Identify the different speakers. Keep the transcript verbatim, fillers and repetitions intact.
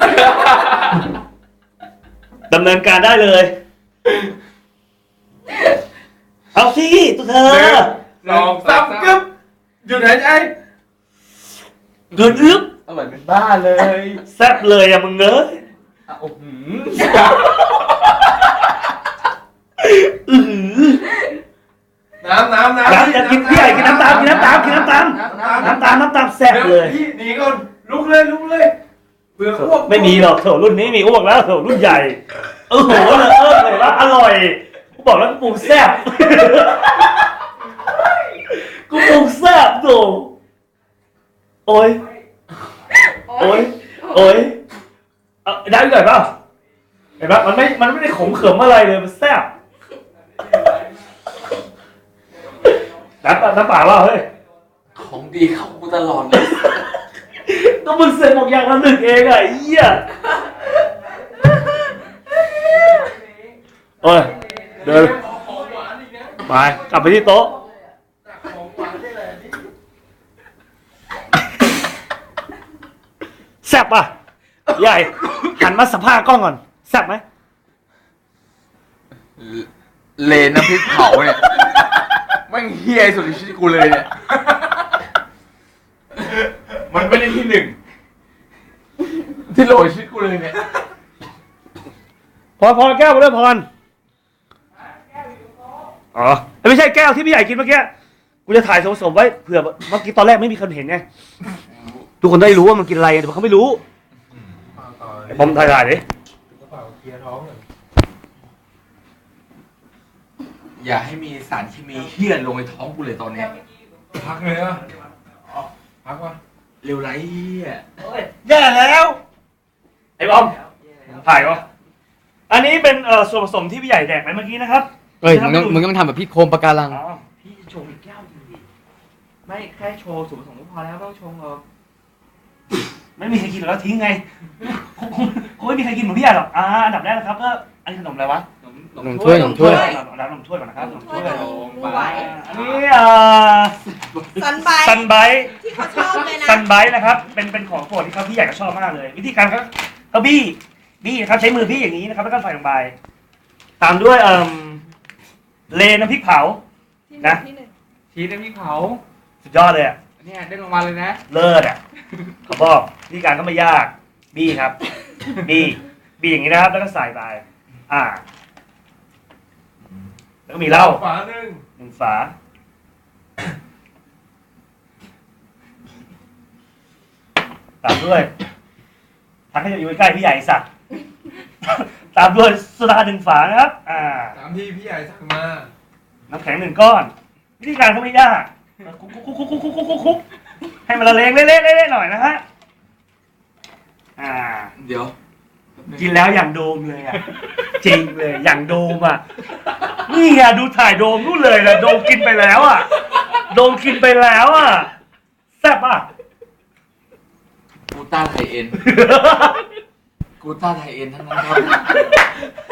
Speaker 1: ดำเนินการได้เลยเอาสิตัวเธอ
Speaker 2: สองสามกึ๊บหยุดหายใจ
Speaker 1: เดินอึ๊บ
Speaker 2: อร่อยเป็นบ้าเลย
Speaker 1: แซ่บเลยอะมึงเนอะ
Speaker 2: โอ้โหน้ำน้ำน้ำ
Speaker 1: น้ำอยากกินพี่ใหญ่กินน้ำตามกินน้ำตามกินน้ำตามน้ำตามน้ำตามแซ่บเลย
Speaker 2: พี่หนีก่อนลุกเลยลุกเลยเบื่ออ้วก
Speaker 1: ไม่มีหรอกโถรุ่นนี้มีอ้วกแล้วโถรุ่นใหญ่เออโหเลยเออเลยว่าอร่อยกูบอกแล้วกูปรุงแซ่บกูปรุงแซ่บโถโอ้ยโอ้ยโอ้ยเอาได้หน่อยเปล่าเห็นปะมันไม่มันไม่ได้ขมเขิมอะไรเลยมันแซ่บน้ำน้ำเปล่าว่าเฮ้ย
Speaker 2: ของดีเข้ากูตลอดเลย
Speaker 1: ก็มึงเสร็จบอกอย่างละหนึ่งเองอะไอ้เหี้ยโอ้ยเดินไปกลับไปที่โต๊ะแซ่บป่ะใหญ่หันมาสัมภาษณ์กล้องก่อนแซ่บไหม
Speaker 2: เลนน้ำพริกเผาเนี่ยแม่งเฮี้ยสุดในชีวิตกูเลยเนี่ยมันไม่ได้ที่หนึ่งที่โหลชีวิตกูเลยเนี่ย
Speaker 1: พอพอแก้วมาด้วยพรอ๋อไม่ใช่แก้วที่พี่ใหญ่กินเมื่อกี้กูจะถ่ายสมๆไว้เผื่อเมื่อกี้ตอนแรกไม่มีคนเห็นไงทุกคนได้รู้ว่ามันกินอะไรแต่เขาไม่รู้ผมถ่ายถ่ายดิ
Speaker 2: อย่าให้มีสารเคมีเฮี้ยนลงในท้องกูเลยตอนนี้พักเลยอ่ะพักวะเร็วไรเฮี้ย
Speaker 1: แย่แล้วไอ้บอมถ่ายวะอันนี้เป็นเอ่อส่วนผสมที่พี่ใหญ่แดกไปเมื่อกี้นะครับ
Speaker 3: เอ้ยมึงต้องมึงต้องทำแบบพี่โคมปะการัง
Speaker 2: พี่โชว์อีกแก้วดีไม่แค่โชว์ส่วนผสมก็พอแล้วไม่ต้องโชว์หรอก
Speaker 1: ไม่มีใครกินแล้วทิ้งไงคงไม่มีใครกินเหมือนพี่ใหญ่หรอกอ่าอันดับแรกนะครับก็อันนี้ขนมอะไรวะ
Speaker 3: ขนมถ้วยขนมถ้วย
Speaker 1: รับขนมถ้วยก่อนนะครับขนมถ้วย
Speaker 4: ไหว
Speaker 1: อันนี้อ่า
Speaker 4: ซันไบ
Speaker 1: ซันไบ
Speaker 4: ที่เขาชอบเลยนะ
Speaker 1: ซันไบนะครับเป็นเป็นของโปรดที่เขาพี่ใหญ่ก็ชอบมากเลยวิธีการเขาเขาบี้บี้นะครับใช้มือบี้อย่างนี้นะครับแล้วก็ใส่ลงไปตามด้วยเอ่อเลน้ำพริกเผานะ
Speaker 2: ชีสน้ำพริกเผา
Speaker 1: สุดยอดเลยอ่ะ
Speaker 2: เนี่ยได้รางวัลเลยนะ
Speaker 1: เลิศอ่ะเขาบอกวิธีการก็ไม่ยากบี้ครับบี้บี้อย่างนี้นะครับแล้วก็ใส่ไปอ่าแล้วก็มีเหล้า
Speaker 2: ฝาหนึ่ง
Speaker 1: หนึ่งฝาตามด้วยทักให้อยู่ใกล้พี่ใหญ่สักตามด้วยโซดาหนึ่งฝานะครับอ่า
Speaker 2: ตามที่พี่ใหญ่สั่งมา
Speaker 1: น้ำแข็งหนึ่งก้อนวิธีการก็ไม่ยากคุกคุกคุกคุกคุกคุกคุกคุกให้มันละเลงเละๆเละๆหน่อยนะฮะอ่า
Speaker 2: เดี๋ยว
Speaker 1: กินแล้วอย่างโดมเลยอ่ะจริงเลยอย่างโดมอ่ะนี่ไงดูถ่ายโดมนู่นเลยนะโดมกินไปแล้วอ่ะโดมกินไปแล้วอ่ะแซ่บอ่ะ
Speaker 2: กูต้าไทยเอ็นกูต้าไทยเอ็นทั้งนั้นครับ